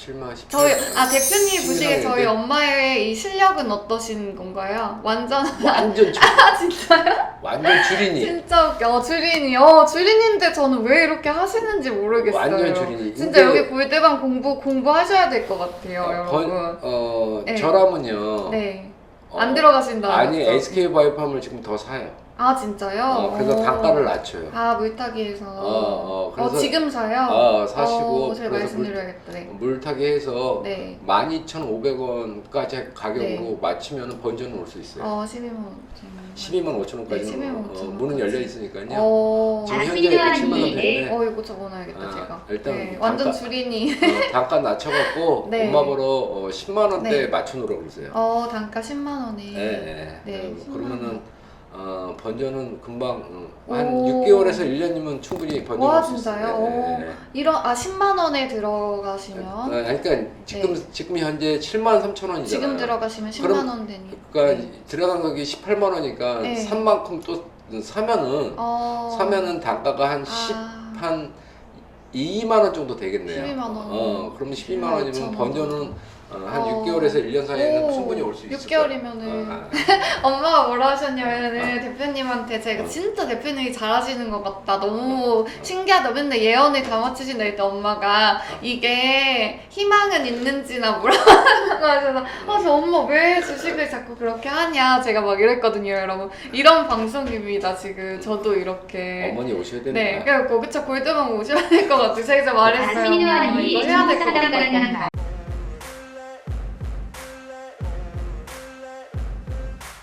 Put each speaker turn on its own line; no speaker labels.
17만 18만
저희 대표님 보시기에 저희 엄마의 이 실력은 어떠신 건가요? 완전
완전
진짜요?
완전 주린이.
진짜 웃겨. 주린이. 주린인데 저는 왜 이렇게 하시는지 모르겠어요.
완전 주린이.
진짜 여기 골대방 공부하셔야 될 것 같아요, 여러분. 네.
저라면요.
네. 안 들어가신다.
아니 SK바이오팜을 지금 더 사요.
아 진짜요?
그래서 단가를 낮춰요.
물타기에서.
그래서
지금 사요?
사시고
제가 말씀드려야겠다. 네.
물타기 해서
네.
12,500원까지 가격으로
네.
맞추면 번전은 올 수 있어요.
12만
125,000원까지는
네, 12만 5천
문은 열려 있으니까요.
원.
지금 현재 7만 원 되는데
이거 적어놔야겠다 제가.
일단
네, 완전
단가,
주린이.
단가 낮춰갖고
네.
엄마 보러 10만 원대
네.
맞춰놓으라고 그러세요.
단가 10만 원에.
네.
네. 10만
그러면은
원.
번전은 금방 한
오.
6개월에서 1년이면 충분히 번전
와,
올수
진짜요?
있어요.
10만 원에 들어가시면
그러니까 지금 현재 7만 3천 원이잖아요.
지금 들어가시면 10만
그럼,
원 되니.
그러니까 들어간 가격이 18만 원이니까
네.
산 만큼 또 사면은 단가가 한 2만 원 정도 되겠네요.
12만 원.
그러면 12만 원이면
2만
번전은 한 6개월에서 1년 사이에는 충분히 올 수 있을
6개월이면은 엄마가 뭐라 하셨냐면은 대표님한테 제가 진짜 대표님이 잘하시는 것 같다, 너무 신기하다, 맨날 예언을 다 맞추신다 했더니 엄마가 이게 희망은 있는지나 물어보는 하셔서 저 엄마 왜 주식을 자꾸 그렇게 하냐 제가 막 이랬거든요. 여러분, 이런 방송입니다 지금. 저도 이렇게
어머니 오셔야 되는
네, 그래갖고 그쵸, 골드만 오셔야 될 것 같아요. 제가 말했어요. 엄마, 이거 해야 될 것 같다.